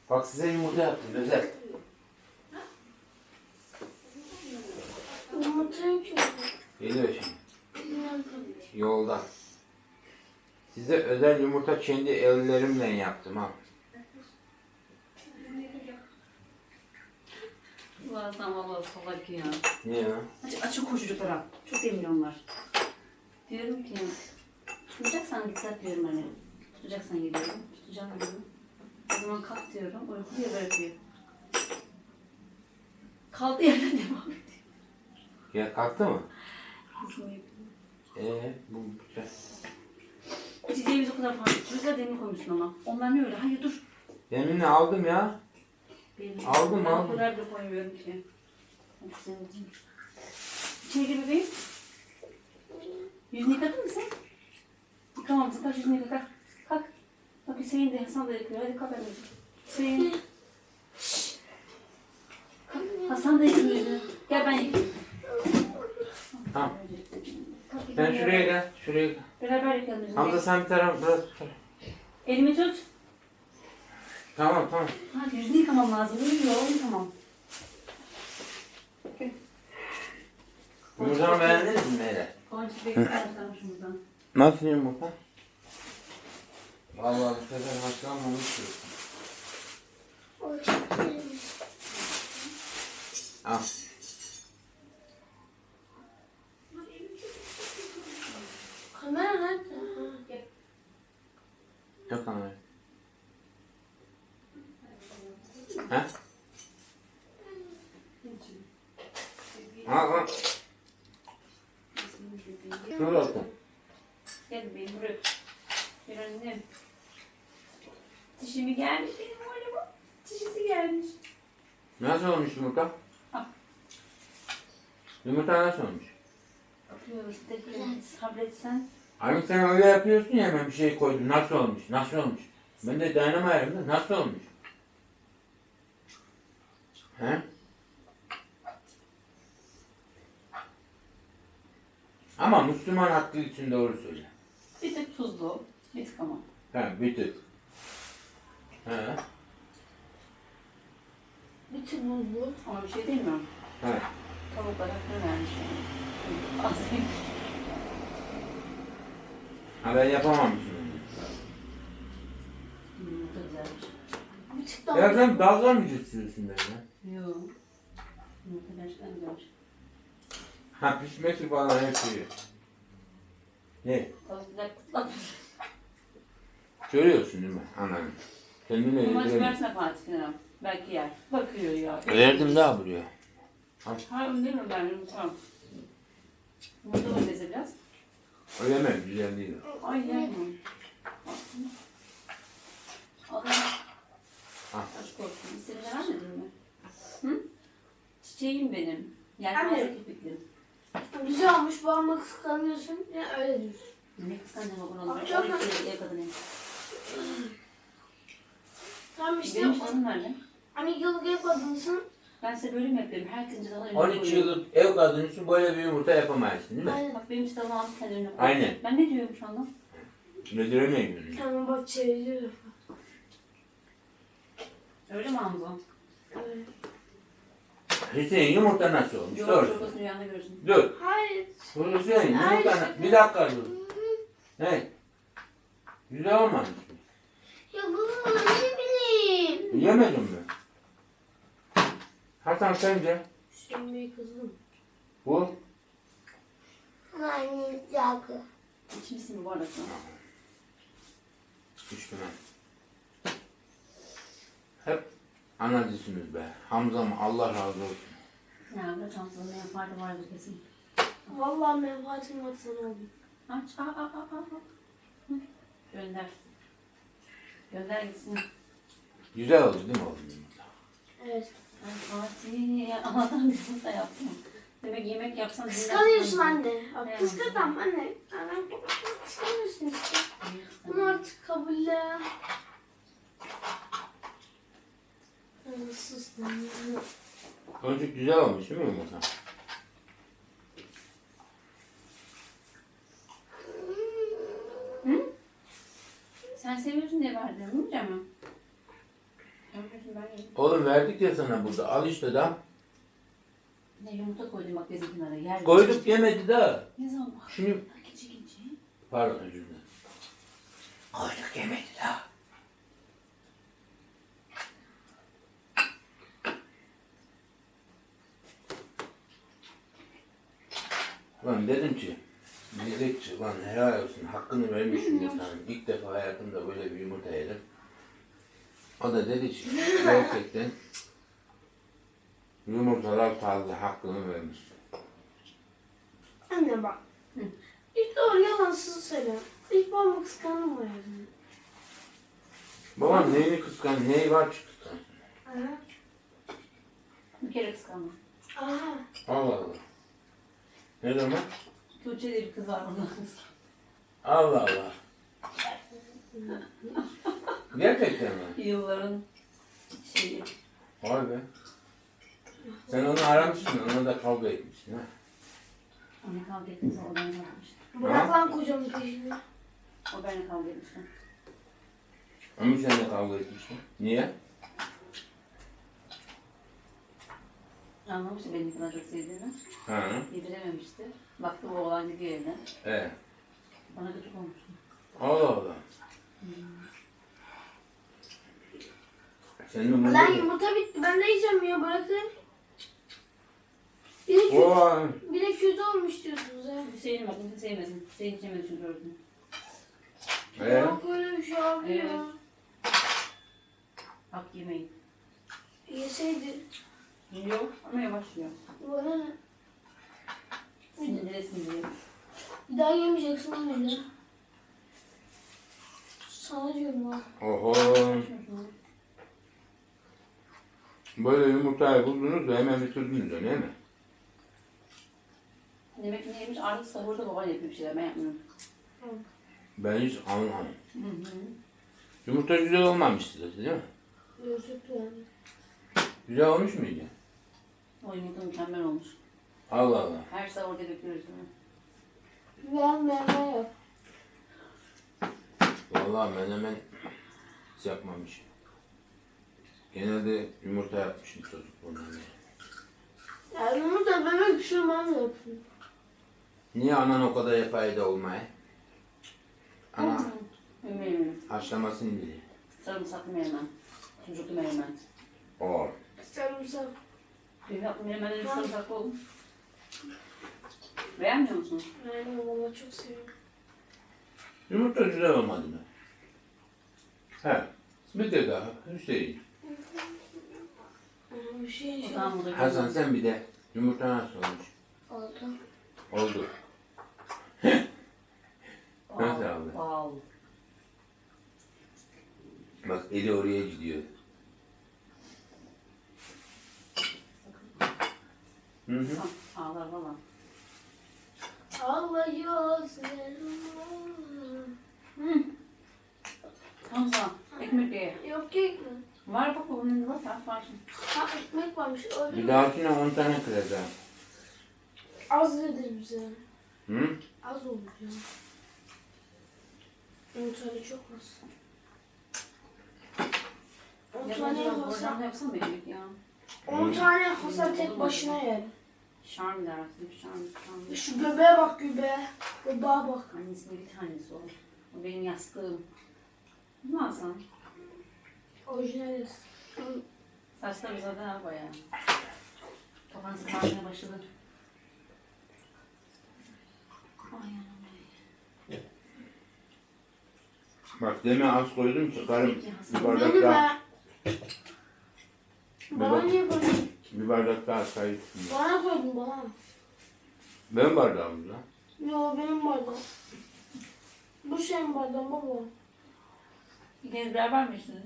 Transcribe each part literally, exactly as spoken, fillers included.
Bak size yumurta yaptım özel. Yumurta yok çünkü. Geliyor şimdi. Yolda. Size özel yumurta kendi ellerimle yaptım ha. Ulan sen valla salak ya. Niye ya? Aç, açık koş çocuklara. Çok emin onlar. Diyorum ki tutacaksan dikkat diyorum hani. Tutacaksan gidiyorum. Tutacağım diyorum. O zaman kalk diyorum. Uykuya bırakıyor. Kaldığı yerden devam ediyor. Ya kalktı mı? Nasıl uyuyor? Eee bu güzel. İçeceğimiz o kadar fazla. Çocuklar demir koymuşsun ama. Onlar ne öyle? Hayır dur. Yeminle aldım ya. Benim. Aldım, ben aldım. o kadar da koymuyorum ki. Hadi senin için. İçeri gir bebeğim. Yüzünü yıkadın mı sen? Yıkamamışsın. Kalk yüzünü yıka. Kalk. Kalk. Bak Hüseyin de Hasan da yıkıyor. Hadi kalk anneciğim. Hüseyin. Şşş. Kalk. Hasan da yıkıyor yüzünü. Gel ben yıkayayım. Tamam. Kalk, Sen yıkayalım. şuraya gel. Şuraya gel. Beraber yıkayalım yüzünü. Hamza sen bir taraf biraz tut. Elimi tut. Tamam tamam. Hadi yüzünü yıkamam lazım. Uyuyor. Yıkamam. Gel. Yumurtamı beğendiniz mi Meyle? Gonca bekliyorum şuradan. Nasıl yumurta? Vallahi bu sefer haşlanmamış diyorsun. O çok iyi. Al. Kamera nerede? Ha. Yok ama. He? Al al. Şurada otur. Gel bebeğim buraya. Gel annem. Dişimi gelmiş benim oğlumun. Dişisi gelmiş. Nasıl olmuş yumurta? Al. Yumurta nasıl olmuş? Bakıyoruz. Tekrar sabretsen. Abi sen öyle yapıyorsun ya hemen bir şey koydun. Nasıl olmuş? Nasıl olmuş? Ben de dayanamayarım da nasıl olmuş? He? Ama Müslüman hakkı için doğru söyle. Bir tık tuzlu. Bir tık ama. He bir tık. He. Bir tık buzlu. Ama bir şey demiyorum. He. Tavuklar hakkını vermiş yani. Aslında. Ha ben yapamamışım. Hmm, bu da güzelmiş. Bir tık daha Ya sen dalga mı geçiyorsun benimle? Yok. Yumurta gerçekten güzelmiş. Ha pişmesi falan hep şey. Ne? Tavuklar kutlamış. Görüyorsun değil mi? Anladım. Kendine Bu maç yediremiyorum. versene Fatih Kenan. Belki yer. Bakıyor ya. Verdim daha buraya. Hayır değil mi ben yumurtam? Yumurta da beze biraz. Öyle mi? Güzel değil. Ay yer mi? Adam Ha. aşk olsun. İstediğini vermedin mi? Hı? Çiçeğim benim. Anne. Yelpaze kirpiklim. güzel olmuş. Babama kıskanıyorsun. Ya öyle diyorsun. Ne kıskandın o bunu? Abi çok on iki ev kadını. Tamam işte. Benim canım nerede? Hani yıllık ev kadınsın. Ben size böyle mi yapıyorum? Herkesin canına önüne on iki yıllık ev kadını için böyle bir yumurta yapamayasın değil mi? Aynen. Bak benim işte alın kendi önüne koy. Aynen. Ben ne diyorum şu anda? Yediremeyim. Tamam bak çeviriyor. Öyle mi Hamza? Evet. Hüseyin yumurta nasıl olmuş? Yok, Doğru. çokosunu rüyanda görürsün. Dur. Hayır. Hüseyin Ay, yumurta şaka. bir dakika dur. Ne? Güzel olmamış mı? Ya baba ne bileyim. Yemedin mi? Hasan sence? Hüseyin Bey kızım. Bu? Anne yakı. İçmişsin bu arada. İşte ben. Hep anacısınız be. Hamzam Allah razı olsun. Ya bırak Hamza'nın menfaati vardır kesin. Vallahi menfaatim var sana oğlum. Aç, aa, aa, aa, aa. Hı. Gönder. Gönder gitsin. Güzel oldu değil mi oğlum yumurta? Evet. Ay Fatih, Allah'tan bir yumurta yaptım. Demek yemek yapsan... Kıskanıyorsun anne. Evet. Bak kıskanmam anne. Anne kıskanıyorsun işte. Bunu artık kabulle. Ay, sus lan. Çocuk güzel olmuş değil mi yumurta? Sen seviyorsun diye verdim, değil mi canım? Sen Oğlum verdik ya sana burada. Al işte da. Ne yumurta koydum bak bezin kenara. Yer. Koyduk yemedi daha. Ne zaman? Şunu Gece gece. pardon özür dilerim. Koyduk yemedi daha. Lan dedim ki Mezekçi lan helal olsun hakkını vermiş yumurtanın. İlk defa hayatımda böyle bir yumurta yedim. O da dedi ki gerçekten yumurtalar taze hakkını vermiş. Anne bak. Hı. İlk doğru yalansız söyle. İlk babamı kıskandım o yüzden. Babam neyini kıskan, neyi var ki kıskan? Aha. Bir kere kıskandım. Aha. Allah Allah. Ne zaman? Tuğçe diye bir kız var burada. Allah Allah. Gerçekten mi? Yılların şeyi. Vay be. Sen onu aramışsın, ona da kavga etmişsin ha. Ona kavga etmişti, o benimle yapmıştı. Bırak lan kocamın peşini. O benimle kavga etmişti. Ama sen de kavga etmişsin. Niye? Anlamıştı beni ne kadar çok sevdiğini. Ha. Yedirememişti. Baktı bu oğlan gidiyor evden. Evet. Bana gıcık olmuştu. Allah Allah. Senin umurunda Lan mı? yumurta bitti. Ben de yiyeceğim ya bırakın. Bir de kötü, Vay. bir de kötü olmuş diyorsunuz ha. Hüseyin'in bak, Hüseyin sevmesin. Hüseyin içemedi çünkü gördüm. Ee? Yok öyle bir şey abi Evet. ya. Hak yemeyin. Yeseydi. Yiyor ama yavaş yiyor. Bana ne? Sindire sindire. Bir daha yemeyeceksin öyle. Sana diyorum ha. Oho. Böyle yumurtayı buldunuz da hemen bitirdiniz de, değil mi? Demek ki neymiş? Artık sahurda baban yapıyor bir şeyler. Ben yapmıyorum. Ben hiç anlamadım. Hı hı. Yumurta güzel olmamıştı dedi, değil mi? Gözlüklü yani. Güzel olmuş muydu? O yumurta mükemmel olmuş. Allah Allah. Her sahurda bekliyoruz değil mi? Ben menemen yap. Vallahi menemen hiç yapmamış. Genelde yumurta yapmışım çocukluğumdan beri. Yani yumurta bebek pişirmem yapayım. Niye anan o kadar yapaydı olmaya? Ana Yemeğim. haşlamasını biliyor. Sarımsaklı menemen. Sucuklu menemen. Oo. Sarımsak. Benim yaptığım menemenlerin sarımsaklı oldu. Beğenmiyor musun? Yani valla çok seviyorum. Yumurta güzel olmadı mı? He. Bir de daha Hüseyin. Ama bir şey O şey zaman burada Hasan sen bir de yumurta nasıl olmuş? oldu. Oldu. Nasıl abi? Wow. Bak eli oraya gidiyor. Hı hı. Ah, ağlar valla. Ağlıyor Hı. Hamza, ekmek ye. Yok kek mi? Var bak babamın var, sen var şimdi. Ha ekmek varmış. Öyle Bir mi? dahakine on tane kıracağım. Az dedi bize. Hı? Az oldu ya. On tane çok az. On Ya tane ben Hasan. oradan yapsam mı ekmek ya? On tane Hasan tek başına yer. Şarm dersin, şarm, şarm. Şu göbeğe bak göbeğe. Göbeğe bak. Annesinin bir tanesi o. O benim yastığım. Ne alsan? Orijinaliz. Saçlar zaten al bayağı. Kafan sıkmaya başladı. Ay anam. Bak deme az koydum ki karım bir bardak Benim daha, be. Bana niye koydun? bir bardak daha çay içtim. Bana koydun bana. Benim bardağım lan. Yo benim bardağım. Bu senin bardağın baba. İkiniz beraber mi içtiniz?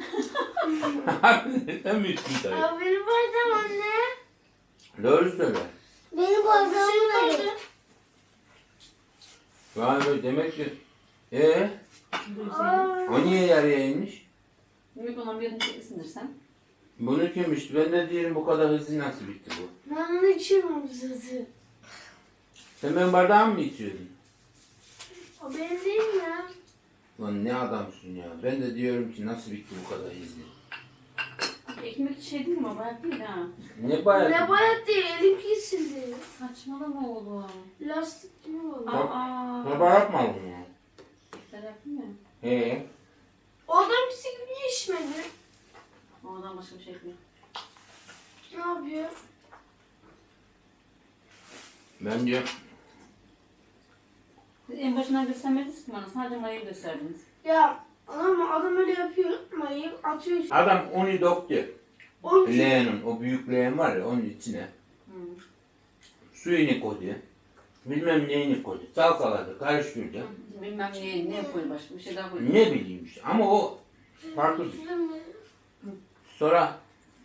Sen mi içtin çayı? Ya benim bardağım anne. Doğru söyle. Benim bardağım nerede? Vay be demek ki. Ee, o niye yarıya inmiş? Büyük olan bir yudum çekmişsindir sen. Bunu kim içti? Ben de diyelim bu kadar hızlı nasıl bitti bu? Ben onu içiyorum sizi. Sen benim bardağımı mı içiyordun? O benim değil ya. Lan ne adamsın ya. Ben de diyorum ki nasıl bitti bu kadar hızlı? Ekmek şey değil mi? Bayat değil ha. Ne bayağı? Ne bayat değil, elim kesildi. Saçmalama oğlum. Lastik gibi oldu. Aa. Baba yapmadın mı? Sen yaptın mı? He. O adam pisi gibi niye içmedi? Oradan başka bir şey yapmıyor. Ne yapıyor? Bence Siz en başından göstermediniz ki bana. Sadece mayayı gösterdiniz. Ya adam, adam öyle yapıyor. Mayı atıyor. adam onu döktü. Onun için Leğenin, o büyük leğen var ya onun içine. Hı. Suyunu koydu. Bilmem neyini koydu. Salkaladı, karıştırdı. Bilmem ne, ne koydu başka bir şey daha koydu. Ne bileyim işte. Ama o farklı. Sonra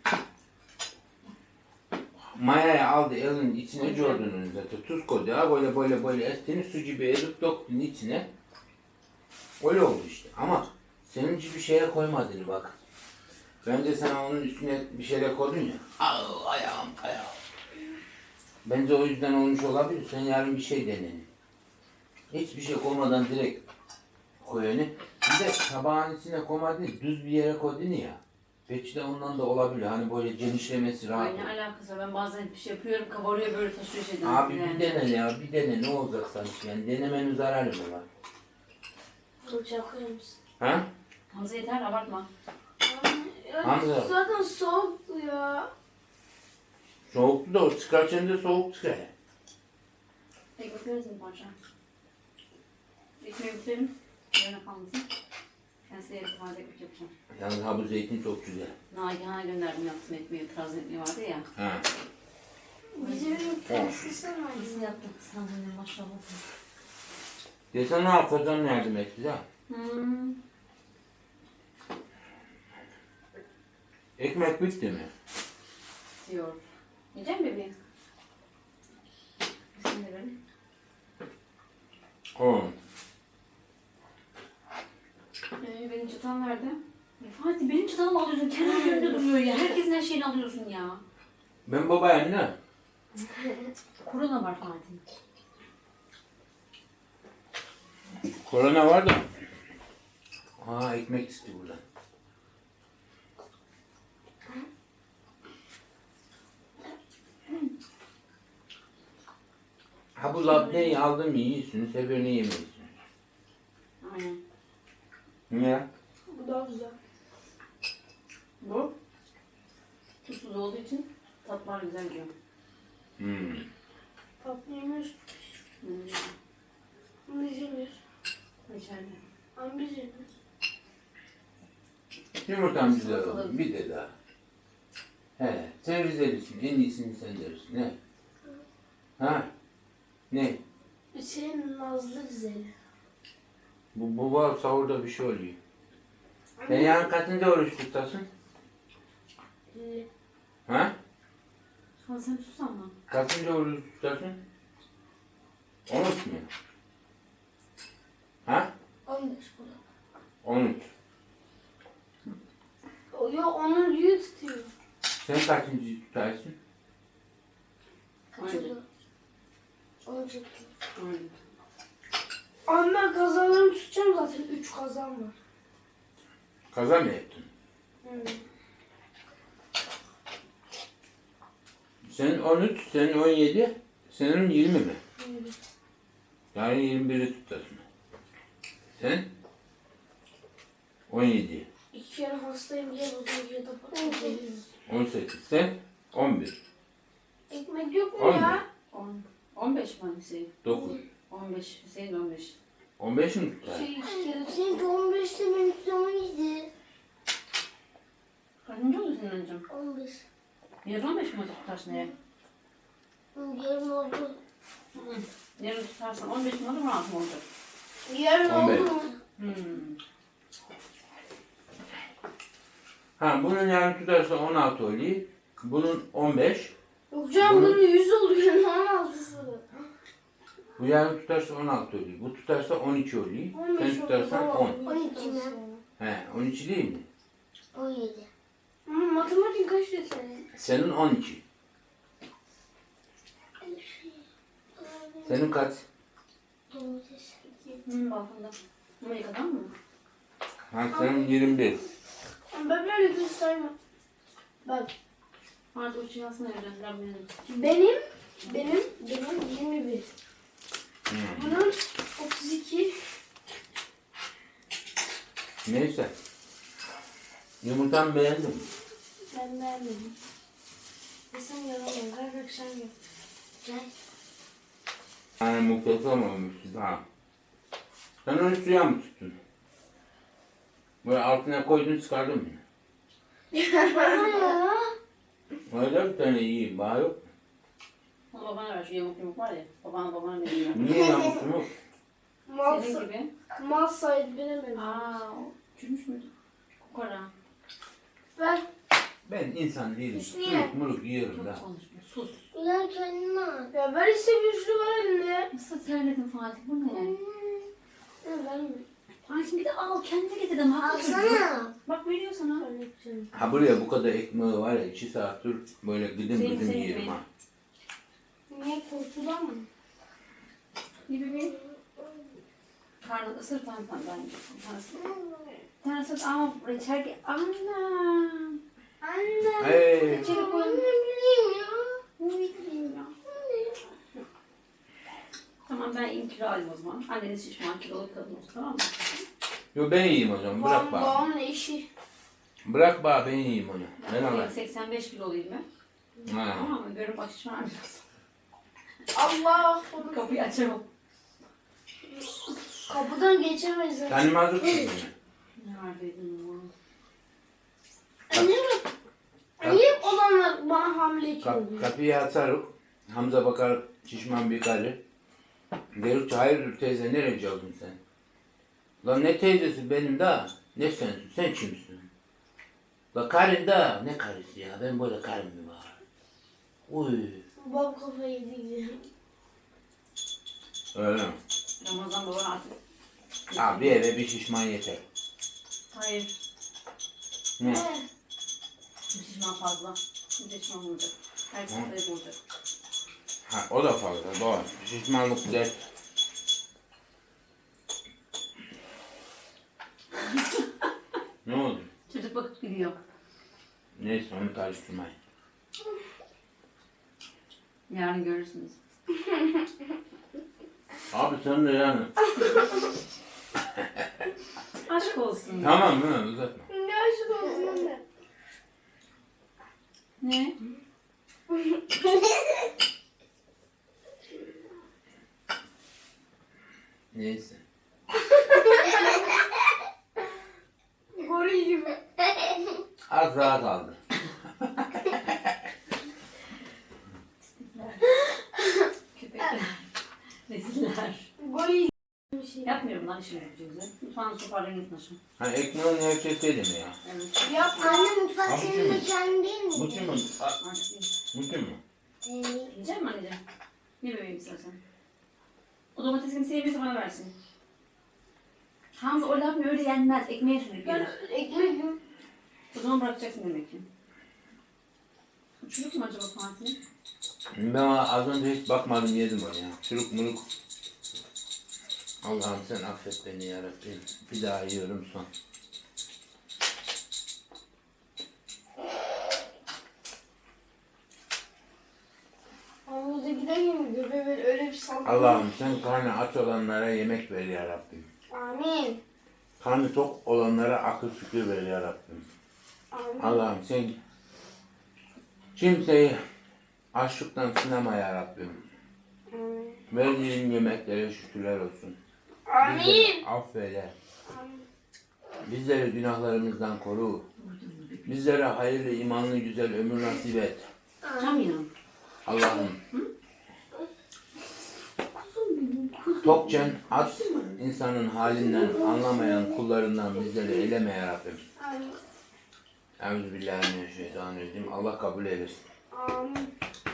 mayayı aldı elinin içine Jordan'ın zaten tuz koydu. Ha böyle böyle böyle etini su gibi edip döktün içine. Öyle oldu işte. Ama senin gibi şeye koymadın bak. Bence sen onun üstüne bir şeyler koydun ya. Au ayağım ayağım. Bence o yüzden olmuş olabilir. Sen yarın bir şey denenin. Hiçbir şey koymadan direkt koy onu. Bir de tabağın içine koymadın, düz bir yere koydun ya. Belki de ondan da olabilir. Hani böyle genişlemesi rahat. Ay ne alakası var? Ben bazen bir şey yapıyorum, kabarıyor böyle taşıyor şeyden. Abi yani. bir dene ya, bir dene ne olacak sanki yani denemenin zararı mı var? Bıçağı koyar mısın? Ha? Hamza yeter abartma. Ya, Hamza. zaten soğuktu ya. Soğuktu da o çıkarken de soğuk çıkar. Ekmek veririz mi parça? Ekmeği bitirelim. Yarına kalmasın. Ben size yarın taze ekmek yapacağım. Yalnız ha bu zeytin çok güzel. Nagihan'a gönderdim yaptım ekmeği. Taze ekmeği vardı ya. Ha. Bizim tersi sen Nasıl yaptın sen bunu maşallah. Geçen ne yapacaksın yardım etti ya. Hmm. Ekmek bitti mi? Diyor. Yiyecek misin bebeğim? Sen de verin. Oğlum. Ee, benim çatal nerede? Ya Fatih benim çatalımı alıyorsun. Kendi önünde duruyor ya. Herkesin her şeyini alıyorsun ya. Ben babayım ne? Korona var Fatih. Korona var da. Aa ekmek çıktı buradan. Ha bu labneyi aldım yiyorsunuz, öbürünü yemiyorsunuz. Aynen. Niye? Bu daha güzel. Bu tuzsuz olduğu için tatlar güzel diyor. Hmm. Tatlı yemiyoruz. Hmm. Biz yemiyoruz. İçeride. Ama biz yemiyoruz. Yumurtam güzel oldu. Bir de daha. He, sen Rizelisin. En iyisini sen dersin. Ne? Ha? Ne? Hüseyin Nazlı güzeli. Bu, bu var sahurda bir şey oluyor. Sen yarın kaçıncı oruç tutasın? Ee, Ha? Ha sen sus ama. Kaçıncı oruç tutasın? On üç mü? Ha? on beş bu da. On üç. O ya onun yüğü tutuyor. Sen kaçıncı tutarsın? Kaçırdı. Onu tuttu. Aynen. Ama ben kazanlarımı tutacağım zaten. Üç kazan var. Kaza mı yaptın? Hmm. Senin on üç, senin on yedi, senin yirmi mi? Hmm. Yani yirmi biri tutarsın. Sen? on yedi. İki kere hastayım diye bozuldu ya da patladı. on sekiz. Sen? on bir. Ekmek yok mu On ya? On. On beş mi Hüseyin? dokuz. On beş. Hüseyin on beş. on beş mi tutar? Şey iki kere. Çünkü on beşte benimki on yedi. Kaçıncı oldu senin öncem? on beş. Yarın on beş mi tutarsın eğer? Yarın oldu. Yarın tutarsan on beş mi olur on altı mı olacak? Yarın On beş. oldu mu? Hmm. Ha bunun yarın tutarsa on altı oluyor. Bunun on beş. Yok canım Bunu- bunun yüz oluyor. Ne on altısı? Bu yarın tutarsa on altı oluyor. Bu tutarsa on iki oluyor. on beş Sen tutarsan oldu. on. on iki mi? He on iki değil mi? on yedi. Ama matematik kaç diyor senin? Senin on iki. Senin kaç? Domates. Hmm, balkonda. Bunu yıkadın mı? Ha senin yirmi bir. Ben böyle kötü saymam. Bak Artık uçuyor aslında öğrendiler benim. benim benim benim yirmi bir. Hmm. Bunun otuz iki. Neyse. Yumurtamı beğendim. Ben beğenmedim. Sen yalan her akşam yap. Gel. Yani muhteşem olmuştu ha. Sen onu suya mı tuttun? Böyle altına koydun çıkardın mı? Aa, Öyle bir tane iyi bağ yok. Ama babana ver şu yamuk yumuk var ya. Babana babana ne diyor? Niye yamuk yumuk? Mal, Senin sa- gibi. mal sahiplenemedim. Aa, o çürümüş müydü? Kokara. Ben Ben insan değilim. Hüsniye. Suluk muluk yiyorum Çok da. konuşma. Sus. ulan kendine al. ya ver işte bir sürü var elinde. Nasıl terledin Fatih? Bu ne? Ne verme. Fatih bir de al. Kendine getirdim. Haklısın. Alsana. Bak veriyor sana. Öyle yapacağım. Ha buraya bu kadar ekmeği var ya iki saattir böyle gıdım Senin- gıdım senin yerim gibi. ha. Niye korkudan mı? Bir bebeğim. Karnı ısır tam tam ben yiyorsun. Tanesi. Tanesi ama reçel ki. Anam. Anne. Hey. Reçeli koy. Ne bileyim ya. Ne bileyim ya. Tamam ben in kilo alayım o zaman. Anneniz şişman kiloluk kadın olsun tamam mı? Yo ben yiyeyim o zaman bırak Babam, bana. babamın eşi. Bırak bana ben yiyeyim onu. Ben Ben alayım. seksen beş kiloluyum ben. Ha. Tamam mı? Görüp bak şişman biraz. Allah korusun. Kapıyı açamam. Kapıdan geçemeyiz. Kendime hazır tutun. Neredeydin o? Anne mi? Niye olanlar bana hamile Kap, oluyor? kapıyı açarız. Hamza bakar şişman bir karı. Derik ki hayırdır teyze nereye oldun sen? Lan ne teyzesi benim daha. Ne sensin? Sen kimsin? La karın da. Ne karısı ya? Ben böyle karım mı var? Uy. Babam kafayı yedi gidiyor. Öyle mi? Ramazan baban artık. Ha bir eve bir şişman yeter. Hayır. Ne? He. Bir şişman fazla. Bir şişman olacak. Herkes sayıp olacak. Ha o da fazla doğru. Şişmanlık dert. Ne oldu? Çocuk bakıp gidiyor. Neyse onu karıştırmayın. Yarın görürsünüz. Abi sen de yani. Aşk olsun. Tamam mı? Uzatma. Ne aşık olsun anne. Ne? Neyse. Goril gibi. Az daha kaldı. Köpekler. Reziller. Goril bir şey. Yapmıyorum lan işimi gücümüzü. Mutfağını toparlayın gitsin aşkım. Ha ekmeğin nevşeseydi mi ya? Evet. Yapma. Anne mutfak Abi senin kim? mekanın değil mi? Bu kim mi? A- Artık değil. Bu kim mi? Ee, Yiyecek misin anneciğim? Ye bebeğim istersen. O domatesini sevmiyorsa bana versin. Hamza o labne öyle yenmez. Ekmeğe sürüp Ben yenir. ekmek yiyorum. O zaman bırakacaksın demek ki. Çocuk mu acaba Fatih? Ben az önce hiç bakmadım yedim onu ya. Çürük muruk. Allah'ım sen affet beni yarabbim. Bir daha yiyorum son. Hamurda giden yemin göbeği böyle öyle bir sallıyor. Allah'ım sen karnı aç olanlara yemek ver yarabbim. Amin. Karnı tok olanlara akıl fikir ver yarabbim. Amin. Allah'ım sen kimseyi açlıktan sınama yarabbim. Amin. Verdiğin yemeklere şükürler olsun. Amin. Bizleri affeyle. Amin. Bizleri günahlarımızdan koru. Bizlere hayırlı, imanlı, güzel ömür nasip et. Cam ya. Allah'ım. Tokçen aç insanın halinden anlamayan kullarından bizleri eyleme yarabbim. Amin. Euzubillahimineşşeytanirracim. Allah kabul eylesin. Amin.